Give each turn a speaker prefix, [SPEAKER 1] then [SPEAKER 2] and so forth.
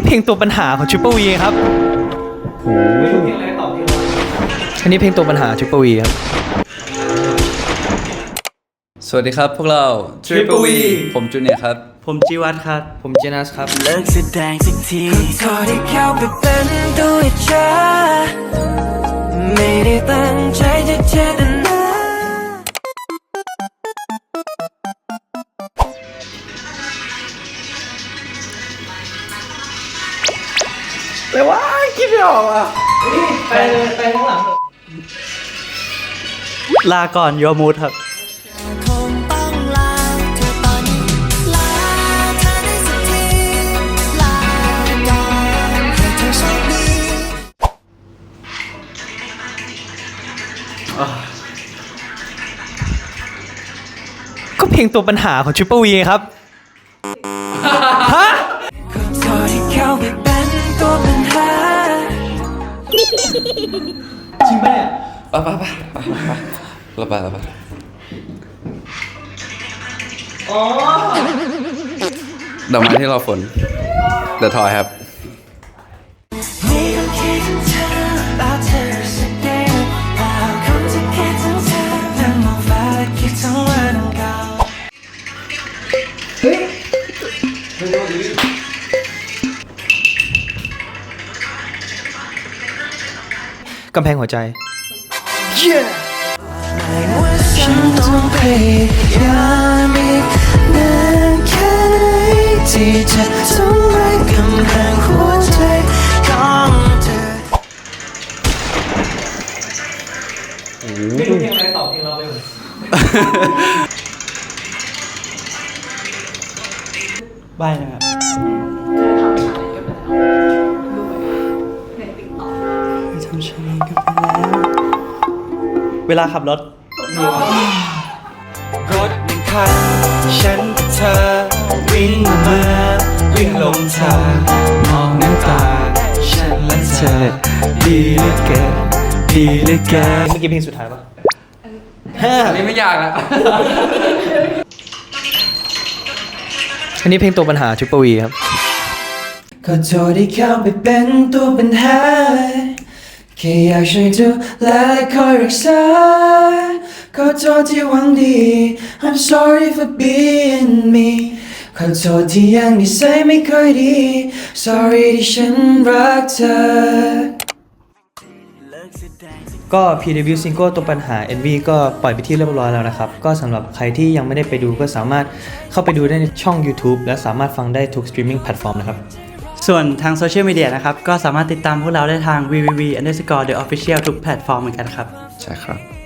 [SPEAKER 1] เพลงตัวปัญหาของ Triple V ครับโอ้เพลงอะไรตอบเพลงอันนี้เพลงตัวปัญหา Triple V ครับ
[SPEAKER 2] สวัสดีครับพวกเรา Triple V ผมจูเนียร์ครับ
[SPEAKER 1] ผมจีวัตครับผมเจนัสครับ
[SPEAKER 3] เลิกแสดงสักทีขอที่เข้าไปเป็นตัวเธอไม่ได้ตั้งใจจะเจตนา
[SPEAKER 2] แต่ว่าคิดไม่ออกอ่ะ
[SPEAKER 1] ไปข้างหลังลาก่อนโยมูดครับ
[SPEAKER 3] คงต้องลาเธอตอนนี้ลาเธอได้สักทีลาก่อนให้เธอโชคดี
[SPEAKER 1] ก็เพลงตัวปัญหาของ Triple V ครับฮะ
[SPEAKER 3] ขอโทษที่เข้าไปเป็นตัวปัญหา
[SPEAKER 1] จริงปะเนี่ย
[SPEAKER 2] ไป
[SPEAKER 1] อ๋อ
[SPEAKER 2] ดอกไม้ที่รอฝน The Toy ครับ
[SPEAKER 3] มีคนคิดถึงเธอแล้วเธอสักเดียวแล้วคนที่คิดถึงเธอนั่งมองฟ้าและคิดถึงวันเก่า
[SPEAKER 1] กำแพงหัวใจ
[SPEAKER 3] ไม่ว่าฉันต้องพยายามอีกนานแค่ไหนที่จะทำลายกำแพงหัวใจของเธอ
[SPEAKER 1] ไม่รู้เพลงอะไรตอบเพลงเราไปหมดใบ้นะครับทำชาเลนจ์กันไปแล้วเวลาขับรถ
[SPEAKER 3] รถหนึ่งคันฉันกับเธอวิ่งมาวิ่งลงทางมองน้ำตาฉันและเธอดีเหลือเกินดีเหลือเกิน
[SPEAKER 1] เมื่อกี้เพลงสุดท้ายปะ
[SPEAKER 2] อันนี้ไม่ยากแล้ว
[SPEAKER 1] อันนี้เพลงตัวปัญหา Triple V ครับ
[SPEAKER 3] ขอโทษที่เข้าไปเป็นตัวปัญหาแค่อยากช่วยดูแลและคอยรักษาขอโทษที่หวังดี I'm sorry for being me ขอโทษที่ยังนิสัยไม่ค่อยดี Sorry ที่ฉันรักเธอ
[SPEAKER 1] ก็ PW Single ตัวปัญหา NV ก็ปล่อยไปที่เรียบร้อยแล้วนะครับก็สำหรับใครที่ยังไม่ได้ไปดูก็สามารถเข้าไปดูได้ในช่อง YouTube และสามารถฟังได้ทุก streaming platform นะครับ
[SPEAKER 4] ส่วนทางโซเชียลมีเดียนะครับก็สามารถติดตามพวกเราได้ทาง www.the official ทุกแพลตฟอร์มเหมือนกันครับ
[SPEAKER 2] ใช่ครับ